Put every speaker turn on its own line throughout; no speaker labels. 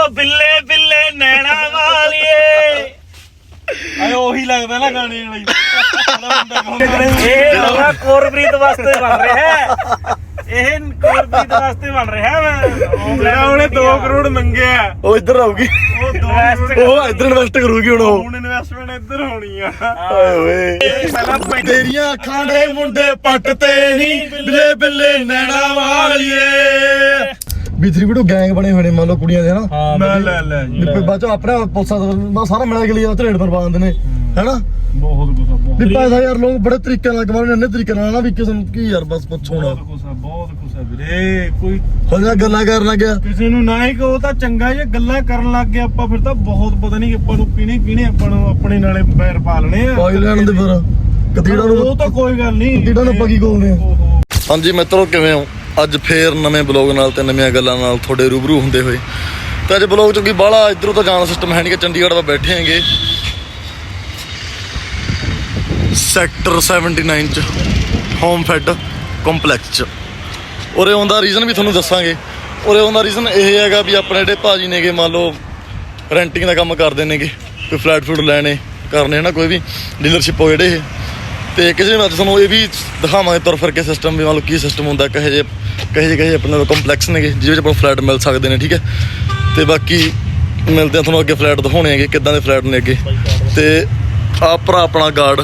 ਬਿੱਲੇ ਬਿੱਲੇ ਨੈਣਾ ਵਾਲੀਏ
ਆਏ ਉਹੀ ਲੱਗਦਾ ਨਾ ਗਾਣੇ ਵਾਲੀ
ਇਹ ਨਵਾਂ ਕੋਰਪ੍ਰੀਤ ਵਾਸਤੇ ਬਣ ਰਿਹਾ ਹੈ। ਇਹ ਕੋਰਪ੍ਰੀਤ ਵਾਸਤੇ ਬਣ ਰਿਹਾ ਮੈਂ
ਜਿਹੜਾ ਉਹਨੇ 2 ਕਰੋੜ ਮੰਗਿਆ
ਉਹ ਇੱਧਰ ਆਊਗੀ,
ਉਹ
ਉਹ ਇੱਧਰ ਇਨਵੈਸਟ ਕਰੂਗੀ ਹੁਣ ਉਹ।
ਹੁਣ ਇਨਵੈਸਟਮੈਂਟ ਇੱਧਰ ਹੋਣੀ ਆ।
ਓਏ ਓਏ ਤੇਰੀਆਂ ਅੱਖਾਂ ਦੇ ਮੁੰਡੇ ਪੱਟ ਤੇ ਨਹੀਂ ਬਿੱਲੇ ਬਿੱਲੇ ਨੈਣਾ ਵਾਲੀਏ। B3 ਵੀਡੀਓ ਗੈਂਗ ਬਣੇ ਹੋਏ ਨੇ ਮੰਨ ਲਓ ਕੁੜੀਆਂ ਦੇ ਹਨਾ।
ਮੈਂ ਲੈ ਜੀ
ਬਾਅਦ ਚੋਂ ਆਪਣਾ ਪੁਲਸਾਂ ਦਾ ਸਾਰਾ ਮਿਲਾ ਕੇ ਲਿਆ ਧਰੇੜ ਪਰ ਪਾ ਦਿੰਦੇ ਨੇ ਹੈਨਾ।
ਬਹੁਤ ਕੁਛ ਬਹੁਤ
ਵੀ ਪੈਸਾ ਯਾਰ ਲੋਕ ਬੜੇ ਤਰੀਕੇ ਨਾਲ ਕਮਾਉਂਦੇ ਨੇ, ਇੰਨੇ ਤਰੀਕੇ ਨਾਲ ਨਾ ਵੀ ਕਿਸੇ ਨੂੰ ਕੀ ਯਾਰ ਬਸ ਪੁੱਛੋ ਨਾ।
ਬਹੁਤ ਕੁਛ ਆ ਵੀਰੇ। ਕੋਈ
ਹੁਣ ਜਿਹੜਾ ਗੱਲਾਂ ਕਰਨ ਲੱਗਿਆ
ਕਿਸੇ ਨੂੰ ਨਾ ਹੀ ਕਹੋ ਤਾਂ ਚੰਗਾ, ਜੇ ਗੱਲਾਂ ਕਰਨ ਲੱਗ ਗਏ ਆਪਾਂ ਫਿਰ ਤਾਂ ਬਹੁਤ ਪਤਾ ਨਹੀਂ ਆਪਾਂ ਨੂੰ ਕਿਹਨੇ ਆਪਾਂ ਨੂੰ ਆਪਣੇ ਨਾਲੇ ਪੈਰ ਪਾ ਲੈਣੇ ਆ।
ਪਾਈ ਲੈਣ ਦੇ ਫਿਰ ਕਦੀੜਾ ਨੂੰ,
ਉਹ ਤਾਂ ਕੋਈ ਗੱਲ ਨਹੀਂ,
ਕਦੀੜਾ ਨੂੰ ਆਪਾਂ ਕੀ ਬੋਲਦੇ ਆ। ਹਾਂਜੀ ਮਿੱਤਰੋ, ਕਿਵੇਂ ਹੋ? ਅੱਜ ਫੇਰ ਨਵੇਂ ਬਲੌਗ ਨਾਲ ਤੇ ਨਵੀਆਂ ਗੱਲਾਂ ਨਾਲ ਤੁਹਾਡੇ ਰੂਬਰੂ ਹੁੰਦੇ ਹੋਏ। ਤੇ ਅੱਜ ਬਲੌਗ ਚੋਂ ਕੀ ਬਾਹਲਾ ਇੱਧਰੋਂ ਤਾਂ ਜਾਣ ਸਿਸਟਮ ਹੈ ਨਹੀਂ ਕਿ ਚੰਡੀਗੜ੍ਹ ਆਪਾਂ ਬੈਠੇ ਹੈਗੇ ਸੈਕਟਰ 79 ਚ ਹੋਮ ਫੈਡ ਕੰਪਲੈਕਸ ਚ। ਉਰੇ ਆਉਣ ਦਾ ਰੀਜ਼ਨ ਵੀ ਤੁਹਾਨੂੰ ਦੱਸਾਂਗੇ। ਉਰੇ ਆਉਣ ਦਾ ਰੀਜ਼ਨ ਇਹ ਹੈਗਾ ਵੀ ਆਪਣੇ ਜਿਹੜੇ ਭਾਜੀ ਨੇਗੇ ਮੰਨ ਲਓ ਰੈਂਟਿੰਗ ਦਾ ਕੰਮ ਕਰਦੇ ਨੇਗੇ, ਕੋਈ ਫਲੈਟ ਫਲੂਟ ਲੈਣੇ ਕਰਨੇ ਹੈ ਨਾ, ਕੋਈ ਵੀ ਡੀਲਰਸ਼ਿਪ ਹੋ ਜਿਹੜੇ ਇਹ। ਤੇ ਕਿਸੇ ਵੀ ਅੱਜ ਤੁਹਾਨੂੰ ਇਹ ਵੀ ਦਿਖਾਵਾਂਗੇ ਤੁਰ ਫਿਰ ਕੇ ਸਿਸਟਮ ਵੀ ਮੰਨ ਲਓ ਕੀ ਸਿਸਟਮ ਹੁੰਦਾ, ਕਹੇ ਜਿਹੇ ਆਪਣੇ ਕੰਪਲੈਕਸ ਨੇਗੇ ਜਿਹਦੇ ਵਿੱਚ ਆਪਾਂ ਫਲੈਟ ਮਿਲ ਸਕਦੇ ਨੇ। ਠੀਕ ਹੈ, ਤੇ ਬਾਕੀ ਮਿਲਦੇ ਆ ਤੁਹਾਨੂੰ ਅੱਗੇ ਫਲੈਟ ਦਿਖਾਉਣੇ ਹੈਗੇ ਕਿੱਦਾਂ ਦੇ ਫਲੈਟ ਨੇ ਅੱਗੇ। ਤੇ ਆ ਭਰਾ ਆਪਣਾ ਗਾਰਡ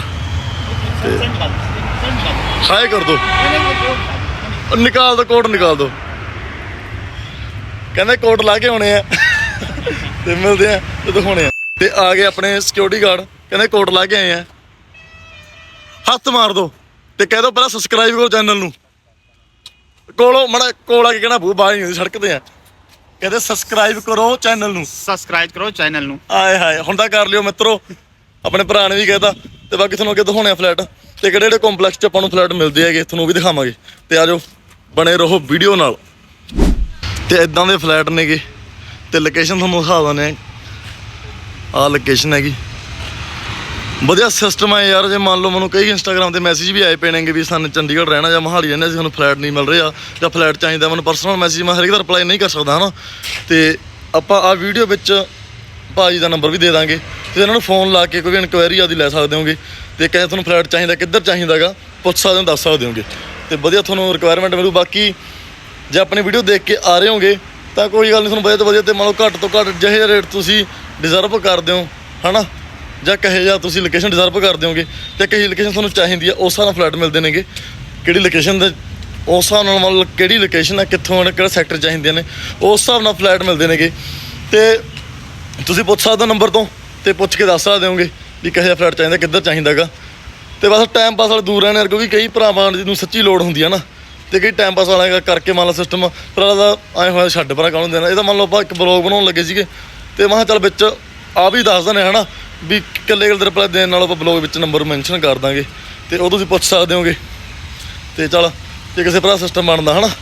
ਹਾਏ ਕਰ ਦੋ, ਨਿਕਾਲ ਦੋ ਕੋਟ, ਨਿਕਾਲ ਦੋ। ਕਹਿੰਦੇ ਕੋਟ ਲਾ ਕੇ ਆਉਣੇ ਆ ਤੇ ਮਿਲਦੇ ਆ ਤੇ ਦਿਖਾਉਣੇ ਆ। ਤੇ ਆ ਗਏ ਆਪਣੇ ਸਿਕਿਉਰਿਟੀ ਗਾਰਡ, ਕਹਿੰਦੇ ਕੋਟ ਲਾ ਕੇ ਆਏ ਆ। ਹੱਥ ਮਾਰ ਦੋ ਤੇ ਕਹਿ ਦੋ ਪਹਿਲਾਂ ਸਬਸਕ੍ਰਾਈਬ ਕਰੋ ਚੈਨਲ ਨੂੰ। ਕੋਲੋਂ ਮੜਾ ਕੋਲ ਆ ਕੇ ਕਹਿਣਾ ਬਾਹਰ ਨਹੀਂ ਹੁੰਦੀ ਸੜਕ ਤੇ ਆ, ਕਹਿੰਦੇ ਸਬਸਕ੍ਰਾਈਬ ਕਰੋ ਚੈਨਲ ਨੂੰ,
ਸਬਸਕ੍ਰਾਈਬ ਕਰੋ ਚੈਨਲ ਨੂੰ।
ਆਏ ਹਾਏ ਹੁਣ ਤਾਂ ਕਰ ਲਿਓ ਮਿੱਤਰੋ, ਆਪਣੇ ਭਰਾ ਨੇ ਵੀ ਕਹਿਤਾ। ਤੇ ਬਾਕੀ ਤੁਹਾਨੂੰ ਅੱਗੇ ਦਿਖਾਉਣੇ ਆ ਫਲੈਟ ਤੇ ਕਿਹੜੇ ਕੰਪਲੈਕਸ 'ਚ ਆਪਾਂ ਨੂੰ ਫਲੈਟ ਮਿਲਦੇ ਹੈਗੇ, ਤੁਹਾਨੂੰ ਉਹ ਵੀ ਦਿਖਾਵਾਂਗੇ। ਤੇ ਆ ਜਾਓ ਬਣੇ ਰਹੋ ਵੀਡੀਓ ਨਾਲ। ਤੇ ਇਦਾਂ ਦੇ ਫਲੈਟ ਨੇਗੇ ਤੇ ਲੋਕੇਸ਼ਨ ਤੁਹਾਨੂੰ ਦਿਖਾ ਦਿੰਦੇ ਆ। ਲੋਕੇਸ਼ਨ ਹੈਗੀ, ਵਧੀਆ ਸਿਸਟਮ ਹੈ ਯਾਰ। ਜੇ ਮੰਨ ਲਓ ਮੈਨੂੰ ਕਈ ਇੰਸਟਾਗ੍ਰਾਮ ਤੇ ਮੈਸੇਜ ਵੀ ਆਏ ਪਏ ਨੇਗੇ ਵੀ ਸਾਨੂੰ ਚੰਡੀਗੜ੍ਹ ਰਹਿਣਾ ਜਾਂ ਮੋਹਾਲੀ ਰਹਿਣਾ, ਸਾਨੂੰ ਫਲੈਟ ਨਹੀਂ ਮਿਲ ਰਿਹਾ ਜਾਂ ਫਲੈਟ ਚਾਹੀਦਾ। ਮੈਨੂੰ ਪਰਸਨਲ ਮੈਸੇਜ ਮੈਂ ਹਰੇਕ ਦਾ ਰਿਪਲਾਈ ਨਹੀਂ ਕਰ ਸਕਦਾ ਹੈ ਨਾ। ਤੇ ਆਪਾਂ ਆ ਵੀਡੀਓ ਵਿੱਚ ਭਾਜੀ ਦਾ ਨੰਬਰ ਵੀ ਦੇ ਦਾਂਗੇ ਤੇ ਇਹਨਾਂ ਨੂੰ ਫੋਨ ਲਾ ਕੇ ਕੋਈ ਵੀ ਇਨਕੁਆਇਰੀ ਆਦੀ ਲੈ ਸਕਦੇ ਹੋਗੇ। ਤੇ ਕਹੇ ਤੁਹਾਨੂੰ ਫਲੈਟ ਚਾਹੀਦਾ, ਕਿੱਧਰ ਚਾਹੀਦਾ ਗਾ, ਪੁੱਛ ਸਕਦੇ ਹੋ, ਦੱਸ ਸਕਦੇ ਹੋਗੇ ਤੇ ਵਧੀਆ ਤੁਹਾਨੂੰ ਰਿਕੁਆਇਰਮੈਂਟ ਮਿਲੂ। ਬਾਕੀ ਜੇ ਆਪਣੀ ਵੀਡੀਓ ਦੇਖ ਕੇ ਆ ਰਹੇ ਹੋਗੇ ਤਾਂ ਕੋਈ ਗੱਲ ਨਹੀਂ, ਤੁਹਾਨੂੰ ਵਧੀਆ ਤੋਂ ਵਧੀਆ ਤੇ ਮੰਨ ਲਓ ਘੱਟ ਤੋਂ ਘੱਟ ਜਿਹੇ ਰੇਟ ਤੁਸੀਂ ਡਿਜ਼ਰਵ ਕਰਦੇ ਹੋ ਹੈ ਨਾ, ਜਾਂ ਕਹੇ ਜਾਂ ਤੁਸੀਂ ਲੋਕੇਸ਼ਨ ਡਿਜ਼ਰਵ ਕਰਦੇ ਹੋਗੇ ਤੇ ਕਹੀ ਲੋਕੇਸ਼ਨ ਤੁਹਾਨੂੰ ਚਾਹੀਦੀ ਆ, ਉਸ ਹਿਸਾਬ ਨਾਲ ਫਲੈਟ ਮਿਲਦੇ ਨੇਗੇ। ਕਿਹੜੀ ਲੋਕੇਸ਼ਨ ਦੇ ਉਸ ਹਿਸਾਬ ਨਾਲ ਮੰਨ ਲਓ ਕਿਹੜੀ ਲੋਕੇਸ਼ਨ ਆ, ਕਿੱਥੋਂ ਕਿਹੜਾ ਸੈਕਟਰ ਚਾਹੀਦੀਆਂ ਨੇ, ਉਸ ਹਿਸਾਬ ਨਾਲ ਫਲੈਟ ਮਿਲਦੇ ਨੇਗੇ। ਤੇ ਤੁਸੀਂ ਪੁੱਛ ਸਕਦੇ ਹੋ ਨੰਬਰ ਤੋਂ ਤੇ ਪੁੱਛ ਕੇ ਦੱਸ ਸਕਦੇ ਹੋਗੇ ਵੀ ਕਿਹੋ ਜਿਹਾ ਫਲੈਟ ਚਾਹੀਦਾ, ਕਿੱਧਰ ਚਾਹੀਦਾ ਗਾ। ਤੇ ਬਸ ਟਾਈਮ ਪਾਸ ਵਾਲੇ ਦੂਰ ਰਹਿਣੇ ਯਾਰ, ਕਿਉਂਕਿ ਕਈ ਭਰਾਵਾਂ ਨੂੰ ਸੱਚੀ ਲੋੜ ਹੁੰਦੀ ਆ ਨਾ, ਤੇ ਕਈ ਟਾਈਮ ਪਾਸ ਵਾਲਾ ਕਰਕੇ ਮੰਨ ਲਓ ਸਿਸਟਮ ਭਰਾ ਦਾ ਆਏ ਹੋਇਆ ਛੱਡ ਭਰਾ ਕਾਹਨੂੰ ਦੇਣਾ। ਇਹ ਤਾਂ ਮੰਨ ਲਓ ਆਪਾਂ ਇੱਕ ਬਲੌਗ ਬਣਾਉਣ ਲੱਗੇ ਸੀਗੇ ਤੇ ਮੈਂ ਕਿਹਾ ਚੱਲ ਵਿੱਚ ਆ ਵੀ ਦੱਸ ਦਿੰਦੇ ਹੈ ਨਾ ਵੀ ਇਕੱਲੇ ਰਿਪਲਾਈ ਦੇਣ ਨਾਲ ਆਪਾਂ ਬਲੌਗ ਵਿੱਚ ਨੰਬਰ ਮੈਂਸ਼ਨ ਕਰ ਦਾਂਗੇ ਤੇ ਉਹ ਤੁਸੀਂ ਪੁੱਛ ਸਕਦੇ ਹੋਗੇ। ਤੇ ਚੱਲ ਜੇ ਕਿਸੇ ਭਰਾ ਸਿਸਟਮ ਬਣਦਾ ਹੈ ਨਾ।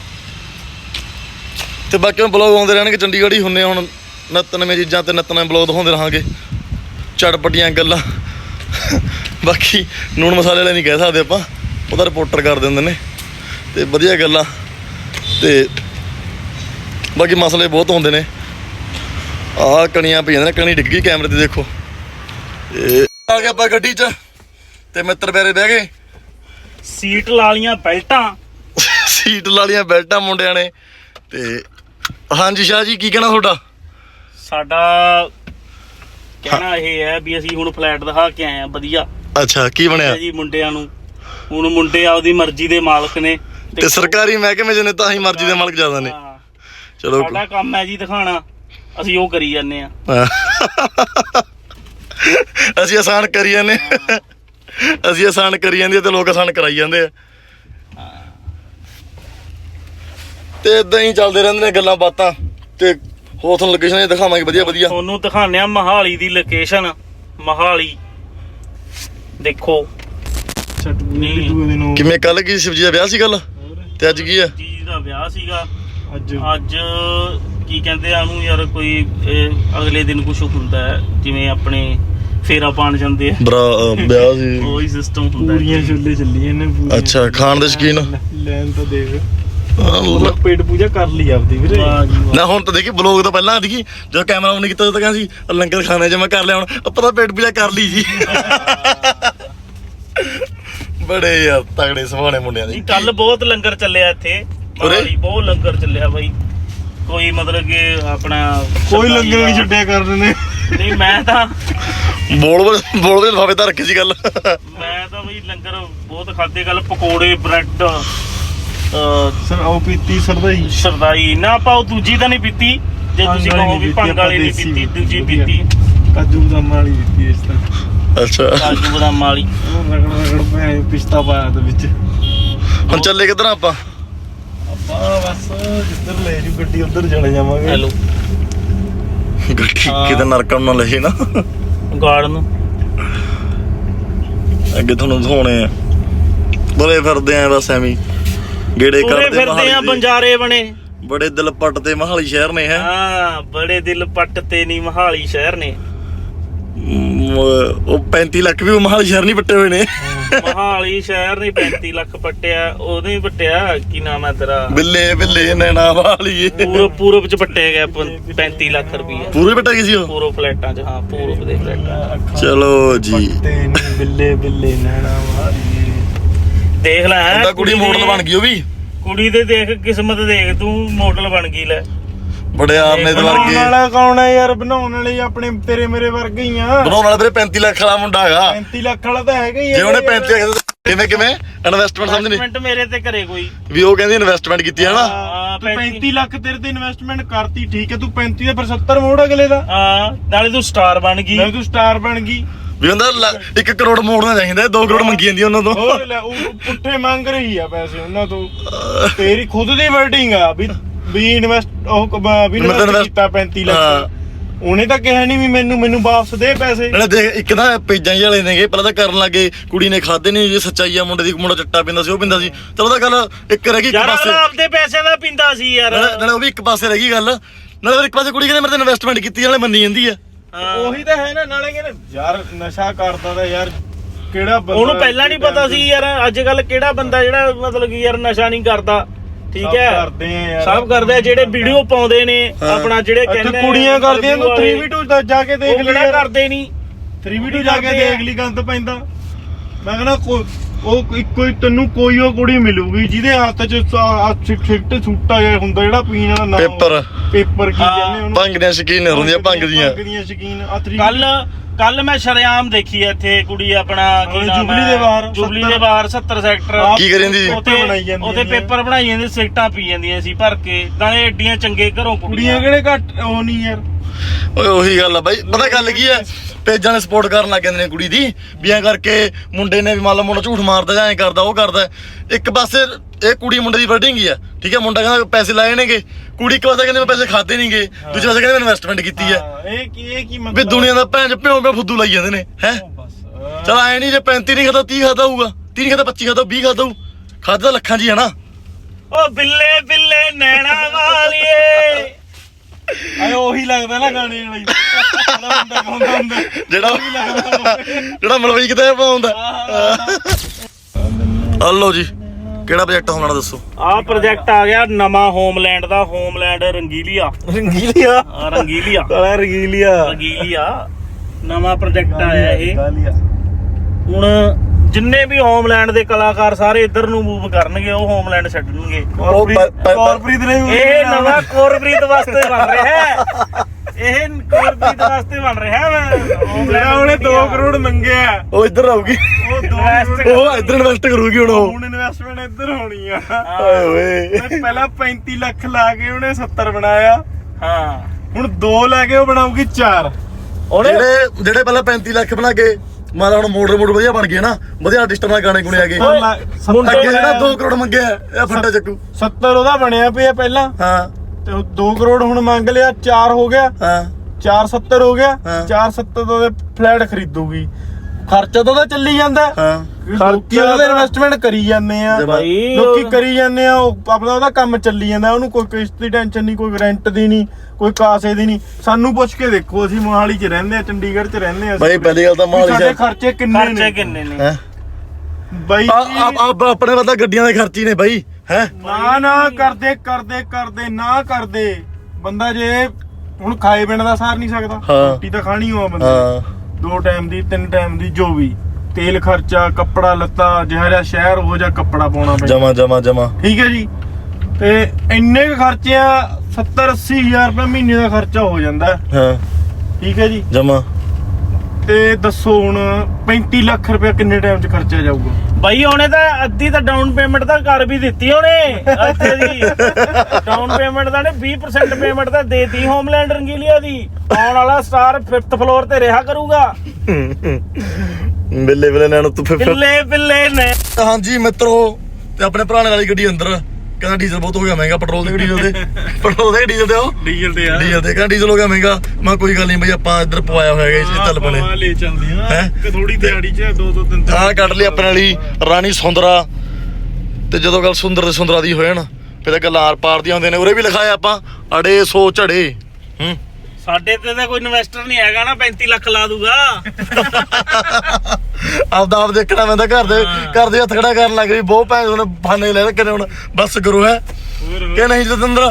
ਤੇ ਬਾਕੀ ਬਲੌਗ ਆਉਂਦੇ ਰਹਿਣਗੇ, ਚੰਡੀਗੜ੍ਹ ਹੀ ਹੁੰਦੇ ਹੁਣ ਨਿੱਤ ਨਵੀਆਂ ਚੀਜ਼ਾਂ ਤੇ ਨਿੱਤ ਨਵੇਂ ਬਲੌਗ ਦਿਖਾਉਂਦੇ ਰਹਾਂਗੇ, ਚਟਪਟੀਆਂ ਗੱਲਾਂ। ਬਾਕੀ ਨੂਣ ਮਸਾਲੇ ਵਾਲੇ ਨਹੀਂ ਕਹਿ ਸਕਦੇ ਆਪਾਂ, ਉਹਦਾ ਰਿਪੋਰਟਰ ਕਰ ਦਿੰਦੇ ਨੇ ਤੇ ਵਧੀਆ ਗੱਲਾਂ। ਤੇ ਬਾਕੀ ਮਸਲੇ ਬਹੁਤ ਹੁੰਦੇ ਨੇ। ਆਹ ਕਣੀਆਂ ਪਈ ਜਾਂਦੇ ਨੇ, ਕਣੀ ਡਿੱਗ ਗਈ ਕੈਮਰੇ ਤੇ ਦੇਖੋ। ਇਹ ਆ ਗਿਆ ਆਪਾਂ ਗੱਡੀ 'ਚ ਤੇ ਮਿੱਤਰ ਪਿਆਰੇ ਬਹਿ ਗਏ,
ਸੀਟ ਲਾ ਲੀਆਂ ਬੈਲਟਾਂ,
ਸੀਟ ਲਾ ਲੀਆਂ ਬੈਲਟਾਂ ਮੁੰਡਿਆਂ ਨੇ। ਤੇ ਹਾਂਜੀ ਸ਼ਾਹ ਜੀ ਕੀ ਕਹਿਣਾ ਤੁਹਾਡਾ?
ਸਾਡਾ ਕਹਿਣਾ ਇਹ ਹੈ ਵੀ ਅਸੀਂ ਹੁਣ ਫਲੈਟ ਦਿਖਾ ਕੇ ਆਏ ਆ ਵਧੀਆ।
ਅੱਛਾ ਕੀ ਬਣਿਆ
ਜੀ ਮੁੰਡਿਆਂ ਨੂੰ? ਹੁਣ ਮੁੰਡੇ ਆਪਦੀ ਮਰਜ਼ੀ ਦੇ ਮਾਲਕ ਨੇ
ਤੇ ਸਰਕਾਰੀ ਮਹਿਕਮੇ 'ਚ ਨੇ ਤਾਂ ਹੀ ਮਰਜ਼ੀ ਦੇ ਮਾਲਕ ਜ਼ਿਆਦਾ ਨੇ। ਚਲੋ
ਸਾਡਾ ਕੰਮ ਹੈ ਜੀ ਦਿਖਾਣਾ, ਅਸੀਂ ਉਹ ਕਰੀ ਜਾਂਦੇ ਆ।
ਅਸੀਂ ਆਸਾਨ ਕਰੀ ਜਾਂਦੇ, ਅਸੀਂ ਆਸਾਨ ਕਰੀ ਜਾਂਦੇ ਤੇ ਲੋਕ ਆਸਾਨ ਕਰਾਈ ਜਾਂਦੇ ਆ। ਤੇ ਇਦਾਂ ਹੀ ਚੱਲਦੇ ਰਹਿੰਦੇ ਨੇ ਗੱਲਾਂ ਬਾਤਾਂ। ਤੇ ਹੋਰ ਤੁਹਾਨੂੰ ਲੋਕੇਸ਼ਨ ਦਿਖਾਵਾਂਗੇ ਵਧੀਆ ਵਧੀਆ।
ਤੁਹਾਨੂੰ ਦਿਖਾਉਂਦੇ ਆ ਮੋਹਾਲੀ ਦੀ ਲੋਕੇਸ਼ਨ। ਮੋਹਾਲੀ ਦੇਖੋ
ਕਿਵੇਂ ਕੱਲ ਕੀ ਸ਼ਿਵਜੀ ਦਾ ਵਿਆਹ ਸੀ ਕੱਲ ਤੇ ਅੱਜ ਕੀ ਆ?
ਜੀ ਦਾ ਵਿਆਹ ਸੀਗਾ
ਅੱਜ
ਕੀ ਕਹਿੰਦੇ ਆ ਉਹਨੂੰ ਯਾਰ, ਕੋਈ ਅਗਲੇ ਦਿਨ ਕੁਝ ਹੁੰਦਾ ਹੈ ਜਿਵੇਂ ਆਪਣੇ ਫੇਰਾ ਪਾਣ ਜਾਂਦੇ ਆ,
ਵਿਆਹ ਸੀ
ਉਹੀ ਸਿਸਟਮ ਹੁੰਦਾ।
ਪੂਰੀਆਂ ਛੋਲੇ ਚੱਲੀਆਂ ਨੇ।
ਅੱਛਾ ਖਾਣ ਦੇ ਸ਼ੌਕੀਨ
ਲੈਣ ਤਾਂ ਦੇਖ ਮਤਲਬ ਪੇਟ ਪੂਜਾ ਕਰ ਲਈ ਆਪਦੀ ਵੀਰੇ।
ਵਾਹ ਜੀ ਵਾਹ।
ਨਾ ਹੁਣ ਤਾਂ ਦੇਖੀ ਬਲੌਗ ਤੋਂ ਪਹਿਲਾਂ ਦੇਖੀ ਜਦੋਂ ਕੈਮਰਾ ਆਨ ਕੀਤਾ ਤਾਂ ਕਹਿੰਦਾ ਸੀ ਲੰਗਰ ਖਾਣੇ ਚ ਮੈਂ ਕਰ ਲਿਆ ਹੁਣ ਆਪਾਂ ਤਾਂ ਪੇਟ ਪੂਜਾ ਕਰ ਲਈ ਜੀ। ਬੜੇ ਯਾਰ ਤਗੜੇ ਸੁਭਾਣੇ ਮੁੰਡਿਆਂ ਦੇ।
ਕੱਲ ਬਹੁਤ ਲੰਗਰ ਚੱਲਿਆ ਇੱਥੇ ਮੋਹਾਲੀ, ਬਹੁਤ ਲੰਗਰ ਚੱਲਿਆ ਬਾਈ। ਕੋਈ ਮਤਲਬ ਕਿ ਆਪਣਾ
ਕੋਈ ਲੰਗਰ ਨਹੀਂ ਛੱਡਿਆ ਕਰਦੇ ਨੇ।
ਨਹੀਂ ਮੈਂ ਤਾਂ
ਬੋਲ ਦੇ ਲਿਫਾਫੇ ਤਾਂ ਰੱਖੀ ਸੀ ਗੱਲ।
ਮੈਂ ਤਾਂ ਬਈ ਲੰਗਰ ਬਹੁਤ ਖਾਦੇ। ਕੱਲ ਪਕੌੜੇ, ਬ੍ਰੈਡ,
ਸਰ ਉਹ ਪੀਤੀ ਸਰਦਾਈ
ਸ਼ਰਦਾਈ ਨਾ ਆਪਾਂ ਉਹ ਦੂਜੀ ਤਾਂ ਨਹੀਂ ਪੀਤੀ, ਜੇ ਤੁਸੀਂ ਕਹੋ ਵੀ ਭੰਗ ਵਾਲੀ ਨਹੀਂ ਪੀਤੀ, ਦੂਜੀ ਪੀਤੀ
ਕਾਜੂ ਬਦਾਮ ਵਾਲੀ ਪੀਤੀ ਇਸ ਤਾਂ।
ਅੱਛਾ
ਕਾਜੂ ਬਦਾਮ ਵਾਲੀ।
ਉਹ ਰਗੜ ਪੈ ਪਿਸਤਾ ਪਾਇਆ ਦੇ ਵਿੱਚ।
ਹੁਣ ਚੱਲੇ ਕਿੱਧਰ ਆਪਾਂ?
ਆਪਾਂ ਬਸ ਜਿੱਧਰ ਲੈ ਜੂ ਗੱਡੀ ਉੱਧਰ ਚਲੇ ਜਾਵਾਂਗੇ।
ਹੈਲੋ
ਗੱਡੀ ਕਿਤੇ ਨਰਕਣ ਨਾ ਲਹੇ ਨਾ।
ਗਾਰਡ ਨੂੰ
ਅੱਗੇ ਤੁਹਾਨੂੰ ਦਿਖਾਉਣੇ ਆ। ਬੜੇ ਫਿਰਦੇ ਆ ਬਸ ਐਵੇਂ ਗੇੜੇ
ਪੂਰੇ
ਕਰਦੇ
ਫਿਰਦੇ ਆ,
ਮੋਹਾਲੀ ਦੇ।
ਬੰਜਾਰੇ ਬਣੇ।
ਬੜੇ ਦਿਲ ਪੱਟ ਤੇ ਮੋਹਾਲੀ ਸ਼ਹਿਰ ਨੇ ਹੈ।
ਹਾਂ ਬੜੇ ਦਿਲ ਪੱਟ ਤੇ ਨਹੀਂ ਮੋਹਾਲੀ ਸ਼ਹਿਰ ਨੇ।
ਉਹ 35 ਲੱਖ ਵੀ ਮੋਹਾਲੀ ਸ਼ਹਿਰ ਨਹੀਂ ਪੱਟੇ ਹੋਏ ਨੇ।
ਮੋਹਾਲੀ ਸ਼ਹਿਰ ਨੇ 35 ਲੱਖ ਪੱਟਿਆ, ਉਹਨੇ ਹੀ ਪੱਟਿਆ। ਕੀ ਨਾਮ ਹੈ ਤੇਰਾ?
ਬਿੱਲੇ ਨੈਣਾ ਵਾਲੀਏ।
ਪੂਰਬ ਚ ਪੱਟਿਆ ਗਿਆ 35 ਲੱਖ ਰੁਪਈਆ
ਪੂਰੇ ਪੱਟੇ ਗਏ ਸੀ ਉਹ।
ਪੂਰਬ ਫਲੈਟਾਂ ਚ। ਹਾਂ ਪੂਰਬ ਦੇ ਫਲੈਟਾਂ।
ਚਲੋ ਜੀ
ਤੇ ਬਿੱਲੇ ਬਿੱਲੇ ਨੈਣਾ ਵਾਲੀ।
ਦੇਖ ਲੈ ਹੈਂ,
ਉਹਦਾ ਕੁੜੀ ਮੋਡਲ ਬਣ ਗਈ ਉਹ ਵੀ।
ਕੁੜੀ ਦੇ ਦੇਖ ਕਿਸਮਤ ਦੇਖ, ਤੂੰ ਮੋਡਲ ਬਣ ਗਈ ਲੈ।
ਬੜੇ ਆਰਨੇ ਦੇ
ਬਣਾਉਣ
ਵਰਗੇ।
ਵਾਲਾ ਕੌਣ ਹੈ ਯਾਰ? ਬਣਾਉਣ ਵਾਲੇ ਆਪਣੇ ਤੇਰੇ ਮੇਰੇ ਵਰਗੇ ਹੀ ਆ।
ਬਣਾਉਣ ਵਾਲਾ ਵੀਰੇ 35 ਲੱਖ ਵਾਲਾ ਮੁੰਡਾ ਹੈਗਾ।
35 ਲੱਖ ਵਾਲਾ ਤਾਂ ਹੈਗਾ ਹੀ।
ਜੇ ਉਹਨੇ 35 ਕਿਵੇਂ ਇਨਵੈਸਟਮੈਂਟ ਸਮਝਣੀ
ਇਨਵੈਸਟਮੈਂਟ ਮੇਰੇ ਤੇ ਕਰੇ ਕੋਈ।
ਵੀ ਉਹ ਕਹਿੰਦੀ ਇਨਵੈਸਟਮੈਂਟ ਕੀਤੀ ਹੈ ਨਾ।
ਹਾਂ,
35 ਲੱਖ ਤੇਰੇ ਤੇ ਇਨਵੈਸਟਮੈਂਟ ਕਰਤੀ, ਠੀਕ ਹੈ। ਤੂੰ 35 ਦਾ ਫਿਰ 70 ਮੋੜ ਅਗਲੇ ਦਾ।
ਹਾਂ ਨਾਲੇ ਤੂੰ ਸਟਾਰ ਬਣ ਗਈ।
ਨਾਲੇ ਤੂੰ ਸਟਾਰ ਬਣ ਗਈ।
ਵੀ ਹੁੰਦਾ 1 ਕਰੋੜ ਮੋੜਨਾ ਚਾਹੀਦਾ, 2 ਕਰੋੜ ਮੰਗੀ ਜਾਂਦੀ ਉਹਨਾਂ ਤੋਂ।
ਹੋਰ ਲੈ ਉਹ ਪੁੱਠੇ ਮੰਗ ਰਹੀ ਆ ਪੈਸੇ ਉਹਨਾਂ ਤੋਂ। ਤੇਰੀ ਖੁਦ ਦੀ ਵਰਡਿੰਗ ਆ ਵੀ ਇਨਵੈਸਟ ਵੀ ਇਨਵੈਸਟ ਕੀਤਾ 35 ਲੱਖ। ਉਹਨੇ ਤਾਂ ਕਿਹਾ ਨਹੀਂ ਵੀ ਮੈਨੂੰ ਵਾਪਸ ਦੇ ਪੈਸੇ।
ਨਾਲੇ ਦੇਖ ਇੱਕ ਤਾਂ ਪੇਜਾਂ ਜਿਹੇ ਵਾਲੇ ਨੇਗੇ ਪਹਿਲਾਂ ਤਾਂ ਕਰਨ ਲੱਗੇ ਕੁੜੀ ਨੇ ਖਾਦੇ ਨਹੀਂ। ਜੇ ਸੱਚਾਈ ਆ ਮੁੰਡੇ ਦੀ, ਮੁੰਡਾ ਚੱਟਾ ਪੀਂਦਾ ਸੀ, ਉਹ ਪੀਂਦਾ ਸੀ। ਚਲੋ ਤਾਂ ਗੱਲ ਇੱਕ ਰਹਿ ਗਈ ਇੱਕ
ਯਾਰ
ਪਾਸੇ।
ਆਪਦੇ ਪੈਸਿਆਂ ਦਾ ਪੀਂਦਾ ਸੀ ਯਾਰ।
ਨਾਲੇ ਉਹ ਵੀ ਇੱਕ ਪਾਸੇ ਰਹਿ ਗਈ ਗੱਲ। ਨਾਲੇ ਫਿਰ ਇੱਕ ਪਾਸੇ ਕੁੜੀ ਕਹਿੰਦੇ ਮੇਰੇ ਤੇ ਇਨਵੈਸਟਮੈਂਟ ਕੀਤੀ, ਨਾਲੇ ਮੰਨੀ ਜਾਂਦੀ ਆ।
ਉਹੀ ਤਾਂ ਹੈ ਨਾ। ਨਾਲੇ ਕਹਿੰਦੇ ਯਾਰ ਨਸ਼ਾ ਕਰਦਾ ਤਾਂ ਯਾਰ ਕਿਹੜਾ ਬੰਦਾ।
ਉਹਨੂੰ ਪਹਿਲਾਂ ਨਹੀਂ ਪਤਾ ਸੀ ਯਾਰ ਅੱਜ ਕੱਲ ਕਿਹੜਾ ਬੰਦਾ ਜਿਹੜਾ ਮਤਲਬ ਕਿ ਯਾਰ ਨਸ਼ਾ ਨਹੀਂ ਕਰਦਾ। ਠੀਕ ਹੈ
ਕਰਦੇ ਆ ਯਾਰ,
ਸਭ ਕਰਦੇ ਆ। ਜਿਹੜੇ ਵੀਡੀਓ ਪਾਉਂਦੇ ਨੇ ਆਪਣਾ, ਜਿਹੜੇ ਕਹਿੰਦੇ
ਕੁੜੀਆਂ ਕਰਦੀਆਂ। ਤੂੰ 3v2 ਦਾ ਜਾ ਕੇ ਦੇਖ
ਉਹ
ਲਈ।
ਕਰਦੇ ਨਹੀਂ।
3v2 ਜਾ ਕੇ ਦੇਖ ਲਈ, ਗੰਦ ਪੈਂਦਾ। ਮੈਂ ਕਹਿੰਦਾ ਉਹ ਇੱਕੋ ਹੀ ਤੈਨੂੰ ਕੋਈ ਉਹ ਕੁੜੀ ਮਿਲੂਗੀ ਜਿਹਦੇ ਹੱਥ 'ਚ ਸਿੱਟ ਛੁੱਟਾ ਜਿਹਾ ਹੁੰਦਾ, ਜਿਹੜਾ ਪੀਣ ਵਾਲਾ ਨਾ ਪੇਪਰ ਕੀ ਕਹਿੰਦੇ ਉਹਨੂੰ।
ਭੰਗ ਦੀਆਂ ਸ਼ਕੀਨ ਹੁੰਦੀਆਂ, ਭੰਗ ਦੀਆਂ
ਸ਼ਕੀਨ।
ਕੱਲ ਮੈਂ ਸ਼ਰੇਆਮ ਦੇਖੀ ਇੱਥੇ ਕੁੜੀ ਆਪਣਾ ਕੀ ਨਾਮ
ਜੁਬਲੀ ਦੇ ਬਾਹਰ,
ਜੁਬਲੀ ਦੇ ਬਾਹਰ 70 ਸੈਕਟਰ
ਕੀ ਕਰੀ ਜਾਂਦੀ ਸੀ?
ਉੱਥੇ ਪੇਪਰ ਬਣਾਈ ਜਾਂਦੇ, ਸਿਗਟਾਂ ਪੀ ਜਾਂਦੀਆਂ ਸੀ ਭਰ ਕੇ। ਨਾਲੇ ਏਡੀਆਂ ਚੰਗੇ ਘਰੋਂ
ਕੁੜੀਆਂ ਕਿਹੜੇ ਘੱਟ ਉਹ ਨਹੀਂ ਯਾਰ।
ਓਏ ਉਹੀ ਗੱਲ ਆ ਬਾਈ। ਪਤਾ ਗੱਲ ਕੀ ਆ, ਪੇਜਾਂ ਨੇ ਸਪੋਰਟ ਕਰਨ ਲੱਗ ਜਾਂਦੇ ਨੇ ਕੁੜੀ ਦੀ ਵੀ ਐਂ ਕਰਕੇ ਮੁੰਡੇ ਨੇ ਵੀ ਮੰਨ ਲਓ ਮੁੰਡਾ ਝੂਠ ਮਾਰਦਾ ਜਾਂ ਐਂ ਕਰਦਾ ਉਹ ਕਰਦਾ। ਇੱਕ ਪਾਸੇ ਇਹ ਕੁੜੀ ਮੁੰਡੇ ਦੀ ਵਰਡਿੰਗ ਹੀ ਆ, ਠੀਕ ਹੈ। ਮੁੰਡਾ ਕਹਿੰਦਾ ਪੈਸੇ ਲਾਏ ਨੇਗੇ, ਕੁੜੀ ਇੱਕ ਪਾਸੇ ਕਹਿੰਦੇ ਮੈਂ ਪੈਸੇ ਖਾਦੇ ਨਹੀਂਗੇ, ਦੂਜੇ ਪਾਸੇ ਕਹਿੰਦੇ ਮੈਂ ਇਨਵੈਸਟਮੈਂਟ ਕੀਤੀ ਆ।
ਇਹ ਕੀ ਮਤਲਬ
ਵੀ ਦੁਨੀਆ ਦਾ ਭੈਣ ਪਿਓ ਫੁੱਦੂ ਲਾਈ ਜਾਂਦੇ ਨੇ ਹੈ। ਚਲ ਐ ਨਹੀਂ ਜੇ 35 ਨਹੀਂ ਖਾਦਾ 30 ਖਾਦਾ ਹੋਊਗਾ, 30 ਖਾਦਾ 25 ਖਾਦਾ 20 ਖਾਦਾ ਹੋਊ। ਖਾਦਾ ਤਾਂ ਲੱਖਾਂ 'ਚ ਹੀ ਹੈ ਨਾ।
ਉਹ ਬਿੱਲੇ ਬਿੱਲੇ ਨੈਣਾ ਵਾਲੀਏ।
ਆਏ ਉਹੀ ਲੱਗਦਾ ਨਾ ਗਾਣੇ ਵਾਲੀ ਬੰਦਾ ਗਾਉਂਦਾ ਹੁੰਦਾ
ਜਿਹੜਾ ਮਲਵਈ ਕਿਤੇ ਪਾਉਂਦਾ। ਹਲੋ ਜੀ ਕਿਹੜਾ ਪ੍ਰੋਜੈਕਟ ਹੋਣਾ ਦੱਸੋ?
ਆਹ ਪ੍ਰੋਜੈਕਟ ਆ ਗਿਆ ਨਵਾਂ ਹੋਮਲੈਂਡ ਦਾ। ਹੋਮਲੈਂਡ ਰੰਗੀਲੀਆ ਨਵਾਂ ਪ੍ਰੋਜੈਕਟ ਆਇਆ ਇਹ। ਹੁਣ ਜਿੰਨੇ ਵੀ ਹੋਮਲੈਂਡ ਦੇ ਕਲਾਕਾਰ ਸਾਰੇ ਇੱਧਰ ਨੂੰ ਮੂਵ ਕਰਨਗੇ, ਉਹ ਹੋਮਲੈਂਡ ਛੱਡਣਗੇ।
ਕੋਰਪ੍ਰੀਤ ਨੇ
ਇਹ ਨਵਾਂ ਕੋਰਪ੍ਰੀਤ ਵਾਸਤੇ ਬਣ ਰਿਹਾ ਹੈ। ਇਹ ਕੋਰਪ੍ਰੀਤ ਵਾਸਤੇ ਬਣ ਰਿਹਾ ਹੈ।
ਜਿਹੜਾ ਉਹਨੇ 2 ਕਰੋੜ ਮੰਗਿਆ
ਉਹ ਇੱਧਰ ਆਊਗੀ,
ਉਹ
ਇੱਧਰ ਇਨਵੈਸਟ ਕਰੂਗੀ।
ਹੁਣ ਇਨਵੈਸਟਮੈਂਟ ਇੱਧਰ ਹੋਣੀ ਆ।
ਓਏ
ਪਹਿਲਾਂ 35 ਲੱਖ ਲਾ ਕੇ ਉਹਨੇ 70 ਬਣਾਇਆ।
ਹਾਂ ਹੁਣ
2 ਲੈ ਕੇ ਉਹ ਬਣਾਉਗੀ 4।
ਜਿਹੜੇ ਪਹਿਲਾਂ 35 ਲੱਖ ਬਣਾ ਕੇ ਮਾਲਾ ਹੁਣ ਮੋੜ ਵਧੀਆ ਬਣ ਗਏ ਨਾ, ਵਧੀਆ ਆਰਟਿਸਟਾਂ ਨਾਲ ਗਾਣੇ ਗੁਣੇ ਆ ਗਏ। ਅੱਗੇ ਜਿਹੜਾ 2 ਕਰੋੜ ਮੰਗਿਆ ਇਹ ਫੰਡਾ ਚੱਕੂ।
70 ਉਹਦਾ ਬਣਿਆ ਪਿਆ ਪਹਿਲਾਂ।
ਹਾਂ
ਤੇ 2 ਕਰੋੜ ਹੁਣ ਮੰਗ ਲਿਆ, 4 ਹੋ ਗਿਆ।
ਹਾਂ
470 ਹੋ ਗਿਆ। 470 ਦਾ ਫਲੈਟ ਖਰੀਦੂਗੀ। ਖਰਚਾ ਤਾਂ ਉਹਦਾ ਚੱਲੀ ਜਾਂਦਾ। ਲੋਕੀ ਉਹਦਾ ਇਨਵੈਸਟਮੈਂਟ ਕਰੀ ਜਾਂਦੇ ਆ, ਲੋਕੀ ਕਰੀ ਜਾਂਦੇ ਆ। ਉਹ ਆਪਣਾ ਉਹਦਾ ਕੰਮ ਚੱਲੀ ਜਾਂਦਾ। ਉਹਨੂੰ ਕੋਈ ਕਿਸ਼ਤ ਦੀ ਟੈਨਸ਼ਨ ਨਹੀਂ, ਕੋਈ ਰੈਂਟ ਦੀ ਨਹੀਂ, ਕੋਈ ਕਾਸੇ ਦੀ ਨਹੀਂ। ਸਾਨੂੰ ਪੁੱਛ ਕੇ ਦੇਖੋ, ਅਸੀਂ ਮੋਹਾਲੀ 'ਚ ਰਹਿੰਦੇ ਆ, ਚੰਡੀਗੜ੍ਹ 'ਚ ਰਹਿੰਦੇ ਆ।
ਬਾਈ ਪਹਿਲੀ ਗੱਲ ਤਾਂ ਮੋਹਾਲੀ
ਸਾਡੇ ਖਰਚੇ ਕਿੰਨੇ ਨੇ
ਬਾਈ?
ਆਪਣੇ ਵੱਲ ਗੱਡੀਆਂ ਦੇ ਖਰਚੇ ਨੇ ਬਾਈ। ਹੈ
ਨਾ ਕਰਦੇ ਨਾ ਕਰਦੇ ਬੰਦਾ ਜੇ ਹੁਣ ਖਾਏ ਬਿਨਾਂ ਦਾ ਸਾਰ ਨਹੀਂ ਸਕਦਾ। ਰੋਟੀ ਤਾਂ ਖਾਣੀ ਹੋਆ ਬੰਦੇ 2 ਟਾਈਮ ਦੀ 3 ਟਾਈਮ ਦੀ, ਜੋ ਵੀ ਤੇਲ ਖਰਚਾ, ਕੱਪੜਾ ਲੱਤਾ, ਜਿਹੜਾ ਸ਼ਹਿਰ ਹੋ ਜਾ ਕੱਪੜਾ ਪਾਉਣਾ ਪੈਂਦਾ
ਜਮਾ
ਠੀਕ ਹੈ ਜੀ। ਤੇ ਇੰਨੇ ਕੁ ਖਰਚੇ ਆ 70-80 ਹਜ਼ਾਰ ਰੁਪਏ ਮਹੀਨੇ ਦਾ ਖਰਚਾ ਹੋ ਜਾਂਦਾ। ਠੀਕ ਹੈ ਜੀ
ਜਮਾ।
ਤੇ ਦੱਸੋ ਹੁਣ 35 ਲੱਖ ਰੁਪਏ ਕਿੰਨੇ ਟਾਈਮ 'ਚ ਖਰਚਿਆ ਜਾਊਗਾ?
ਬਾਈ ਉਹਨੇ ਤਾਂ ਅੱਧੀ ਤਾਂ ਡਾਊਨ ਪੇਮੈਂਟ ਤਾਂ ਕਰ ਵੀ ਦਿੱਤੀ ਉਹਨੇ ਇੱਥੇ ਦੀ। ਡਾਊਨ ਪੇਮੈਂਟ ਤਾਂ ਨੇ 20% ਪੇਮੈਂਟ ਤਾਂ ਦੇਤੀ ਹੋਮਲੈਂਡ ਰੰਗੀਲੀਆ ਦੀ। ਆਉਣ ਵਾਲਾ ਸਟਾਰ 5th ਫਲੋਰ ਤੇ ਰਿਹਾ ਕਰੂਗਾ।
ਬਿੱਲੇ ਨੇ ਤੂੰ
ਬਿੱਲੇ ਨੇ।
ਹਾਂਜੀ ਮਿੱਤਰੋ, ਤੇ ਆਪਣੇ ਪੁਰਾਣੇ ਵਾਲੀ ਗੱਡੀ ਅੰਦਰ ਕਹਿੰਦਾ ਡੀਜ਼ਲ ਬਹੁਤ ਹੋ ਗਿਆ ਮਹਿੰਗਾ। ਪੈਟਰੋਲ ਦੇ ਡੀਜ਼ਲ ਦੇ ਡੀਜ਼ਲ ਤੇ ਉਹ ਡੀਜ਼ਲ ਤੇ ਕਹਿੰਦਾ ਡੀਜ਼ਲ ਹੋ ਗਿਆ ਮਹਿੰਗਾ। ਮੈਂ ਕੋਈ ਗੱਲ ਨਹੀਂ ਬਈ, ਆਪਾਂ ਇੱਧਰ ਪਵਾਇਆ ਹੋਇਆ ਹੈਗਾ, ਚੱਲ ਬਣੇ
ਲੈ ਚੱਲਦੇ ਆ ਕਿ ਥੋੜੀ ਦਿਹਾੜੀ 'ਚ 2-3
ਆਹ ਕੱਢ ਲਈ ਆਪਣੇ ਵਾਲੀ ਰਾਣੀ ਸੁੰਦਰਾ। ਤੇ ਜਦੋਂ ਗੱਲ ਸੁੰਦਰ ਤੇ ਸੁੰਦਰਾ ਦੀ ਹੋਏ ਨਾ, ਫਿਰ ਤਾਂ ਗੱਲਾਂ ਆਰ ਪਾਰ ਦੀਆਂ ਹੁੰਦੀਆਂ ਨੇ। ਉਰੇ ਵੀ ਲਿਖਾਇਆ ਆਪਾਂ ਅੜੇ ਸੋ ਝੜੇ।
ਸਾਡੇ ਤੇ ਤਾਂ ਕੋਈ ਇਨਵੈਸਟਰ ਨਹੀਂ ਹੈਗਾ ਨਾ 35 ਲੱਖ ਲਾ ਦੂਗਾ।
ਆਪਦਾ ਆਪ ਦੇਖਣਾ ਪੈਂਦਾ। ਘਰ ਦੇ ਹੱਥ ਖੜਾ ਕਰਨ ਲੱਗ ਗਈ ਬਹੁਤ ਭੈਣ ਉਹਨੇ ਫਾਨੇ ਲੈ ਰੱਖੇ ਨੇ। ਹੁਣ ਬਸ ਕਰੋ ਹੈ ਕਿ ਨਹੀਂ ਜਤਿੰਦਰ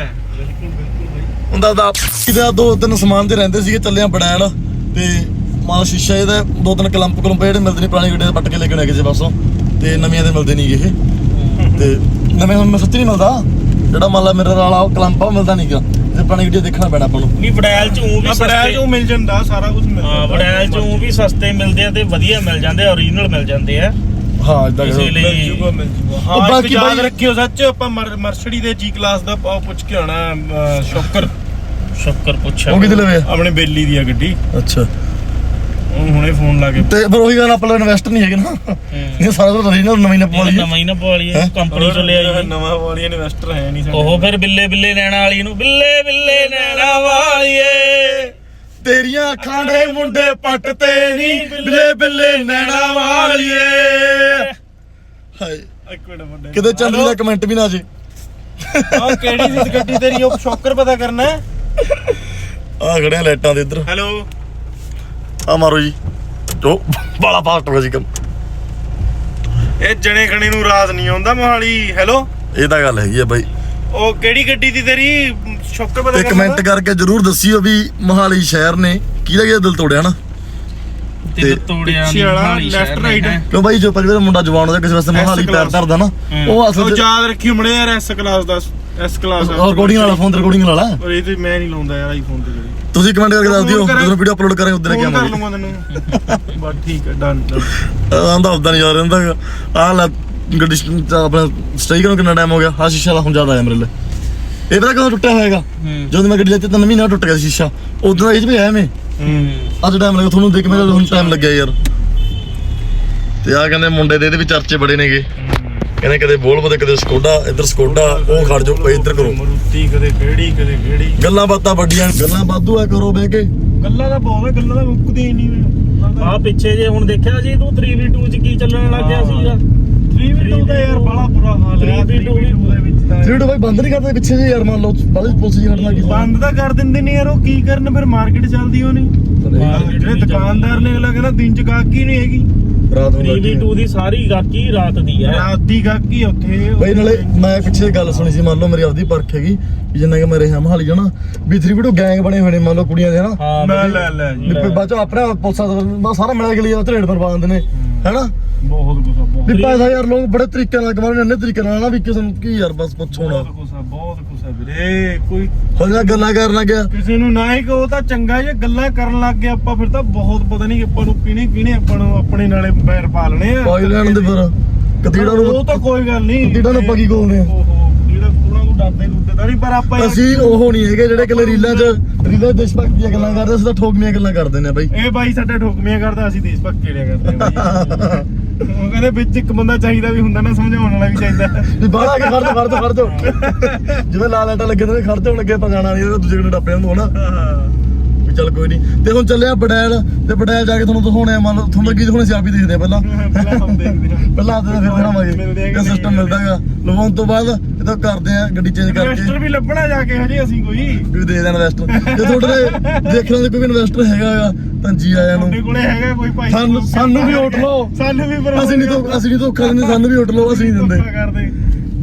ਹੁੰਦਾ ਦਾ ਇਹਦਾ 2-3 ਸਮਾਨ ਤੇ ਰਹਿੰਦੇ ਸੀਗੇ। ਚੱਲਿਆ ਬੜੈਲ ਤੇ ਮਾਲ ਸ਼ੀਸ਼ਾ ਇਹਦਾ 2-3 ਕਲੰਪ ਜਿਹੜੇ ਮਿਲਦੇ ਨੇ ਪੁਰਾਣੀ ਗੱਡੀਆਂ ਦੇ ਪੱਟ ਕੇ ਲੈ ਕੇ ਆਏ ਕਿਸੇ ਪਾਸੋਂ, ਤੇ ਨਵੀਆਂ ਦੇ ਮਿਲਦੇ ਨਹੀਂ ਇਹ। ਤੇ ਨਵੇਂ ਮੈਂ ਸੱਚੀ ਨਹੀਂ ਮਿਲਦਾ, ਜਿਹੜਾ ਮੰਨ ਲਾ ਮੇਰੇ ਵਾਲਾ ਉਹ ਕਲੰਪ ਆ ਮਿਲਦਾ ਨਹੀਂ ਗਾ। ਤੇ ਪੁਰਾਣੀ ਗੱਡੀਆਂ ਦੇਖਣਾ ਪੈਣਾ ਆਪਾਂ ਨੂੰ।
ਨਹੀਂ ਵੜੈਲ ਚ ਵੀ
ਸਸਤੇ ਮਿਲ ਜਾਂਦਾ, ਸਾਰਾ ਕੁਝ ਮਿਲਦਾ।
ਹਾਂ ਵੜੈਲ ਚ ਵੀ ਸਸਤੇ ਮਿਲਦੇ ਆ ਤੇ ਵਧੀਆ ਮਿਲ ਜਾਂਦੇ, ਓਰੀਜਨਲ ਮਿਲ ਜਾਂਦੇ ਆ।
ਹਾਂ ਇਦਾਂ
ਇਸੇ ਲਈ
ਮਿਲ ਜੂਗਾ। ਹਾਂ ਬਾਕੀ ਯਾਦ ਰੱਖਿਓ ਸੱਚ, ਆਪਾਂ ਮਰਸਡੀ ਦੇ ਜੀ ਕਲਾਸ ਦਾ ਪੁੱਛ ਕੇ ਆਉਣਾ। ਸ਼ੌਕਰ ਪੁੱਛਿਆ
ਉਹ ਕਿਤੇ ਲਵੇ
ਆਪਣੇ ਬੇਲੀ ਦੀ ਆ ਗੱਡੀ।
ਅੱਛਾ
ਉਹਨੂੰ ਹੁਣੇ ਫੋਨ ਲਾ ਕੇ।
ਤੇ ਫਿਰ ਉਹੀ ਗੱਲ, ਆਪਾਂ ਇਨਵੈਸਟਰ ਨਹੀਂ ਹੈਗੇ ਨਾ। ਇਹ ਸਾਰਾ ਕੁਝ ਓਰੀਜਨਲ ਨਵੀਂ ਨਾ ਪਵਾ ਲਈਏ।
ਨਵਾਂ ਹੀ ਨਾ ਪਵਾ ਲਈਏ, ਕੰਪਨੀ ਚੋਂ ਲਿਆ ਜੀ।
ਨਵਾਂ ਵਾਲੀ ਇਨਵੈਸਟਰ ਹੈ ਨਹੀਂ ਸਾਡੇ।
ਉਹ ਫਿਰ ਬਿੱਲੇ ਨੈਣਾ ਵਾਲੀ ਨੂੰ ਬਿੱਲੇ ਨੈਣਾ ਵਾਲੀਏ।
ਤੇਰੀਆਂ ਅੱਖਾਂ ਦੇ ਮੁੰਡੇ ਪੱਟ ਤੇ ਨਹੀਂ ਬਿੱਲੇ ਨੈਣਾ ਵਾਲੀਏ। ਹਾਏ
ਇੱਕ ਮਿੰਟ ਮੁੰਡੇ
ਕਿਤੇ ਚੰਦਰੀ ਦਾ ਕਮੈਂਟ ਵੀ ਨਾ ਜੇ।
ਆ ਕਿਹੜੀ ਸੀ ਗੱਡੀ ਤੇਰੀ? ਉਹ ਸ਼ੌਕਰ ਪਤਾ ਕਰਨਾ।
ਆ ਖੜਿਆ ਲਾਈਟਾਂ ਦੇ ਇੱਧਰ।
ਹੈਲੋ
ਆ ਮਾਰੋ ਜੀ। ਜੋ ਬਾਲਾ ਫਾਸਟ ਹੋ ਗਿਆ ਜੀ ਕੰਮ।
ਇਹ ਜਣੇ ਖਣੇ ਨੂੰ ਰਾਤ ਨਹੀਂ ਆਉਂਦਾ ਮੋਹਾਲੀ। ਹੈਲੋ
ਇਹ ਤਾਂ ਗੱਲ ਹੈਗੀ ਆ ਬਾਈ।
ਉਹ ਕਿਹੜੀ ਗੱਡੀ ਦੀ ਤੇਰੀ? ਸ਼ੌਕਰ ਪਤਾ
ਤੇ ਕਮੈਂਟ ਕਰਕੇ ਜਰੂਰ ਦੱਸਿਓ ਵੀ ਮੋਹਾਲੀ ਸ਼ਹਿਰ ਨੇ ਕਿਹਦਾ ਦਿਲ ਤੋੜਿਆ ਨਾ।
ਤੇ ਤੋੜਿਆ
ਲੈਫਟ ਰਾਈਟ।
ਕਿਉਂ ਬਾਈ ਜੋ ਪਹਿਲੇ ਮੁੰਡਾ ਜਵਾਨ ਹੋ ਕਿਸੇ ਵਾਸਤੇ ਮੋਹਾਲੀ ਪੈਰ ਧਰਦਾ ਨਾ, ਉਹ ਅਸਲ
ਉਹ ਯਾਦ ਰੱਖਿਓ ਮੜੇ ਯਾਰ। ਐਸ ਕਲਾਸ ਦਾ ਐਸ ਕਲਾਸ
ਰਿਕਾਰਡਿੰਗ ਵਾਲਾ ਫੋਨ ਤੇ ਰਿਕਾਰਡਿੰਗ ਵਾਲਾ।
ਔਰ ਇਹ ਤੇ ਮੈਂ ਨਹੀਂ ਲਾਉਂਦਾ ਯਾਰ ਆਈਫੋਨ ਤੇ।
ਤੁਸੀਂ ਕਮੈਂਟ ਕਰਕੇ ਦੱਸ ਦਿਓ ਜਦੋਂ ਵੀਡੀਓ ਅਪਲੋਡ ਕਰਾਂਗੇ ਉਦੋਂ ਲੈ ਕੇ
ਕਰ
ਆਵਾਂਗੇ।
ਲਵਾਂਗਾ ਤੈਨੂੰ ਬਸ ਠੀਕ ਹੈ ਡਨ।
ਆਂਦਾ ਉਦਾਂ ਨਹੀਂ ਯਾਰ ਰਹਿੰਦਾ। ਆਹ ਲੈ ਗੱਡੀ ਆਪਣਾ ਸਟੇ ਕਰਨ ਕਿੰਨਾ ਟਾਈਮ ਹੋ ਗਿਆ। ਆਹ ਸ਼ੀਸ਼ਾ ਦਾ ਹੁਣ ਜ਼ਿਆਦਾ ਆਇਆ ਮੇਰੇ ਲਈ। ਇਹ ਪਤਾ ਕਦੋਂ ਟੁੱਟਿਆ ਹੋਏਗਾ? ਜਦੋਂ ਮੈਂ ਗੱਡੀ ਲੈਤੀ 3 ਮਹੀਨਾ ਟੁੱਟ ਗਿਆ ਸ਼ੀਸ਼ਾ। ਉਦੋਂ ਇਹ 'ਚ ਵੀ ਆਇਆ ਮੈਂ। ਅੱਜ ਟਾਈਮ ਲੱਗਾ ਤੁਹਾਨੂੰ ਦੇਖ, ਮੇਰਾ ਹੁਣ ਟਾਈਮ ਲੱਗਿਆ ਯਾਰ। ਤੇ ਆ ਕਹਿੰਦੇ ਮੁੰਡੇ ਦੇ ਇਹਦੇ ਵੀ ਚਰਚੇ ਬੜੇ ਨੇਗੇ। ਕਹਿੰਦੇ ਕਦੇ ਵੋਲਵੋ ਤੇ ਕਦੇ ਸਕੋਡਾ। ਇੱਧਰ ਸਕੋਡਾ, ਉਹ ਖੜ ਜਾਓ ਇੱਧਰ ਕਰੋ।
ਮਰੂਤੀ ਕਦੇ ਕਿਹੜੀ
ਗੱਲਾਂ ਬਾਤਾਂ ਵੱਡੀਆਂ, ਗੱਲਾਂ ਵਾਧੂ ਆ ਕਰੋ ਬਹਿ ਕੇ।
ਗੱਲਾਂ ਦਾ ਬਹੁਤ ਹੈ, ਗੱਲਾਂ ਦਾ ਮੁੱਕਦੀਆਂ ਹੀ ਨਹੀਂ।
ਆ ਪਿੱਛੇ ਜੇ ਹੁਣ ਦੇਖਿਆ ਜੀ ਤੂੰ 3v2 ਚ ਕੀ ਚੱਲਣ ਲੱਗ ਗਿਆ ਸੀਗਾ।
3v2 ਦਾ ਯਾਰ ਬੜਾ ਬੁਰਾ ਹਾਲ ਹੈ। 3v2 ਦੇ ਵਿੱਚ ਤਾਂ
ਜਿਹੜਾ ਬਾਈ ਬੰਦ ਨਹੀਂ ਕਰਦੇ ਪਿੱਛੇ ਜੇ ਯਾਰ, ਮੰਨ ਲਓ ਬਾਲੀ ਪੁਲਿਸ ਜੀ ਹਟਣਾ ਕੀ
ਬੰਦ ਤਾਂ ਕਰ ਦਿੰਦੇ ਨੇ ਯਾਰ। ਉਹ ਕੀ ਕਰਨ ਫਿਰ? ਮਾਰਕੀਟ ਚੱਲਦੀ ਉਹ ਨਹੀਂ। ਜਿਹੜੇ ਦੁਕਾਨਦਾਰ ਨੇ ਅਗਲਾ ਕਹਿੰਦਾ ਦਿਨ ਚ ਗਾਹਕੀ ਨਹੀਂ ਹੈਗੀ।
ਰਾਤ ਨੂੰ
3v2 ਦੀ ਸਾਰੀ ਗਾਹਕੀ ਰਾਤ ਦੀ ਹੈ।
ਰਾਤ ਦੀ ਗਾਹਕੀ ਉੱਥੇ
ਬਈ ਨਾਲੇ ਮੈਂ ਪਿੱਛੇ ਗੱਲ ਸੁਣੀ ਸੀ, ਮੰਨ ਲਓ ਮੇਰੀ ਆਪਦੀ ਪਰਖ ਹੈਗੀ ਵੀ ਜਿੰਨਾ ਕਿ ਮੈਂ ਰਿਹਾ ਮਹਾਲੀ ਜਾਣਾ ਵੀ 3v2 ਗੈਂਗ ਬਣੇ ਹੋਏ ਨੇ ਮੰਨ ਲਓ ਕੁੜੀਆਂ ਦੇ ਹਨਾ।
ਲੈ ਜੀ
ਬਾਅਦ ਚੋਂ ਆਪਣੇ ਪੁਲਿਸਾਂ ਦਾ ਸਾਰਾ ਮਿਲਿਆ ਕੇ ਲਈ ਧਰੇੜ ਪਰ ਪਾ ਦਿੰਦੇ ਨੇ ਹੈਨਾ।
ਬਹੁਤ ਗੁੱਸਾ
ਵੀ ਪੈਸਾ ਯਾਰ ਲੋਕ ਬੜੇ ਤਰੀਕੇ ਨਾਲ ਕਮਾਉਂਦੇ ਨੇ, ਇੰਨੇ ਤਰੀਕੇ ਨਾਲ ਨਾ ਵੀ ਕਿਸੇ ਨੂੰ ਕੀ ਯਾਰ ਬਸ ਪੁੱਛੋ ਨਾ।
ਬਹੁਤ ਗੁੱਸਾ ਵੀਰੇ। ਕੋਈ
ਹੁਣ ਨਾ ਗੱਲਾਂ ਕਰਨ ਲੱਗਿਆ
ਕਿਸੇ ਨੂੰ ਨਾ ਹੀ ਕਹੋ ਤਾਂ ਚੰਗਾ, ਜੇ ਗੱਲਾਂ ਕਰਨ ਲੱਗ ਗਏ ਆਪਾਂ ਫਿਰ ਤਾਂ ਬਹੁਤ ਪਤਾ ਨਹੀਂ ਆਪਾਂ ਨੂੰ ਕਿਹਨੇ ਆਪਾਂ ਨੂੰ ਆਪਣੇ ਨਾਲੇ ਪੈਰ ਪਾ ਲੈਣੇ ਆ।
ਪਾਈ ਲੈਣ ਦੇ ਫਿਰ ਕਦੀੜਾ ਨੂੰ।
ਉਹ ਤਾਂ ਕੋਈ ਗੱਲ ਨਹੀਂ,
ਕਦੀੜਾ ਨੂੰ ਆਪਾਂ ਕੀ ਕੋਲਦੇ ਆ।
ਜਿਹੜਾ ਉਹਨਾਂ ਨੂੰ ਡਰਦੇ ਤਾਂ ਨਹੀਂ, ਪਰ ਆਪਾਂ
ਅਸੀਂ ਉਹ ਨਹੀਂ ਹੈਗੇ ਜਿਹੜੇ ਇਕੱਲੇ ਰੀਲਾਂ 'ਚ ਦੇਸ਼ ਭਗਤ ਦੀਆਂ ਗੱਲਾਂ ਕਰਦੇ। ਅਸੀਂ ਤਾਂ ਠੋਕਮੀਆਂ ਗੱਲਾਂ ਕਰਦੇ ਨੇ ਬਾਈ।
ਇਹ ਬਾਈ ਸਾਡਾ ਠੋਕਮੀਆਂ ਕਰਦਾ, ਅਸੀਂ ਦੇਸ਼ ਭਗਤ ਕਿਹੜਿਆ ਕਰਦੇ ਆ। ਉਹ ਕਹਿੰਦੇ ਵਿੱਚ ਇੱਕ ਬੰਦਾ ਚਾਹੀਦਾ ਵੀ ਹੁੰਦਾ ਨਾ, ਸਮਝਾਉਣ ਵਾਲਾ ਵੀ ਚਾਹੀਦਾ
ਵੀ ਬਾਹਰ ਆ ਕੇ ਖੜ ਜਾ ਜਿਵੇਂ ਲਾਲ ਲਾਈਟਾਂ ਲੱਗੇ ਨੇ ਖੜ ਜਾਣ ਲੱਗੇ ਆਪਾਂ ਜਾਣਾ ਨਹੀਂ, ਦੂਜੇ ਕੋਲ ਟੱਪਿਆ ਨੂੰ ਹਨਾ ਵੀ ਚੱਲ ਕੋਈ ਨਹੀਂ। ਤੇ ਹੁਣ ਚੱਲਿਆ ਬੜੈਲ, ਤੇ ਬੜੈਲ ਜਾ ਕੇ ਤੁਹਾਨੂੰ ਦਿਖਾਉਣੇ ਆ। ਮੰਨ ਲਓ ਤੁਹਾਨੂੰ ਲੱਗੀ ਦਿਖਾਉਣੇ ਸੀ, ਆਪ ਹੀ ਦੇਖਦੇ ਆ ਪਹਿਲਾਂ ਪਹਿਲਾਂ ਆਤੇ ਫਿਰ ਦਿਖਾਵਾਂਗੇ ਇਹ ਸਿਸਟਮ ਮਿਲਦਾਗਾ। ਲਵਾਉਣ ਤੋਂ ਬਾਅਦ ਇਹਦਾ ਕਰਦੇ ਆ ਗੱਡੀ ਚੇਂਜ ਕਰਕੇ।
ਇਨਵੈਸਟਰ ਵੀ ਲੱਭਣਾ ਜਾ ਕੇ ਹਜੇ ਅਸੀਂ ਕੋਈ
ਵੀ ਦੇ ਦੇਣਾ ਇਨਵੈਸਟਰ। ਜੇ ਤੁਹਾਡੇ ਦੇਖਣ ਦੇ ਕੋਈ ਇਨਵੈਸਟਰ ਹੈਗਾ ਤਾਂ ਜੀ ਆਇਆਂ ਨੂੰ।
ਤੁਹਾਡੇ ਕੋਲੇ ਹੈਗਾ ਕੋਈ ਭਾਈ?
ਸਾਨੂੰ ਵੀ ਉੱਠ ਲਓ।
ਸਾਨੂੰ ਵੀ
ਅਸੀਂ ਨਹੀਂ ਧੋਖਾ ਦਿੰਦੇ, ਸਾਨੂੰ ਵੀ ਉੱਠ ਲਓ। ਅਸੀਂ ਨਹੀਂ ਦਿੰਦੇ।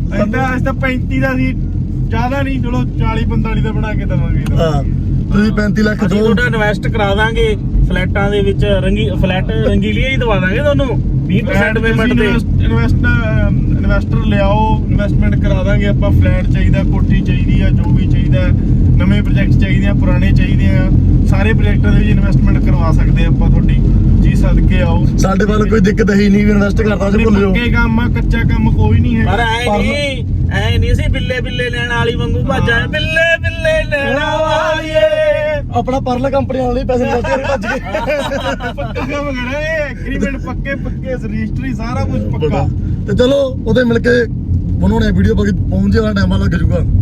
ਅੱਜ ਤਾਂ 35 ਦਾ ਸੀ, ਜ਼ਿਆਦਾ ਨਹੀਂ, ਚਲੋ 40-45 ਦਾ ਬਣਾ ਕੇ ਦਵਾਂਗੇ।
ਹਾਂ ਤੁਸੀਂ 35 ਲੱਖ
ਅਸੀਂ
ਦੋ
ਤੁਹਾਡਾ ਇਨਵੈਸਟ ਕਰਾ ਦਾਂਗੇ ਫਲੈਟਾਂ ਦੇ ਵਿੱਚ, ਫਲੈਟ ਰੰਗੀਲੀਆਂ ਹੀ ਦਵਾ ਦਾਂਗੇ ਤੁਹਾਨੂੰ 20% ਪੇਮੈਂਟ ਤੇ।
ਇਨਵੈਸਟਰ ਲਿਆਓ, ਇਨਵੈਸਟਮੈਂਟ ਕਰਾ ਦਾਂਗੇ ਆਪਾਂ। ਫਲੈਟ ਚਾਹੀਦਾ, ਕੋਠੀ ਚਾਹੀਦੀ ਆ, ਜੋ ਵੀ ਚਾਹੀਦਾ, ਨਵੇਂ ਪ੍ਰੋਜੈਕਟ ਚਾਹੀਦੇ ਆ, ਪੁਰਾਣੇ ਚਾਹੀਦੇ ਆ, ਸਾਰੇ ਪ੍ਰੋਜੈਕਟਾਂ ਦੇ ਵਿੱਚ ਇਨਵੈਸਟਮੈਂਟ ਕਰਵਾ ਸਕਦੇ ਆ ਆਪਾਂ ਤੁਹਾਡੀ ਜੀ। ਸਦਕੇ ਆਓ,
ਸਾਡੇ ਵੱਲ ਕੋਈ ਦਿੱਕਤ ਹੈ ਹੀ ਨਹੀਂ, ਇਨਵੈਸਟ ਕਰਦਾ ਸੀ, ਭੁੱਲ ਜਾਓ।
ਪੱਕੇ ਕੰਮ ਆ, ਕੱਚਾ ਕੰਮ ਕੋਈ ਨਹੀਂ
ਪਰ
ਹੈ।
ਐ ਨਹੀਂ ਸੀ ਬਿੱਲੇ ਬਿੱਲੇ ਲੈਣ ਵਾਲੀ ਵਾਂਗੂ ਭੱਜਾਂ, ਬਿੱਲੇ ਬਿੱਲੇ ਲੈਣ ਵਾਲੀਏ।
ਆਪਣਾ ਪਰਲ ਕੰਪਨੀ ਵਾਲੇ ਪੈਸੇ ਮਿਲਦੇ ਭੱਜ ਗਏ।
ਪੱਕਾ ਕੰਮ ਕਰਾਂ, ਐਗਰੀਮੈਂਟ ਪੱਕੇ ਰਜਿਸਟਰੀ ਸਾਰਾ ਕੁਝ ਪੱਕਾ।
ਤੇ ਚਲੋ ਉਹਦੇ ਮਿਲ ਕੇ ਬਣਾਉਣੇ ਵੀਡੀਓ ਬਾਕੀ ਪਹੁੰਚ ਜਾਣਾ, ਟਾਈਮ ਲੱਗ ਜਾਊਗਾ।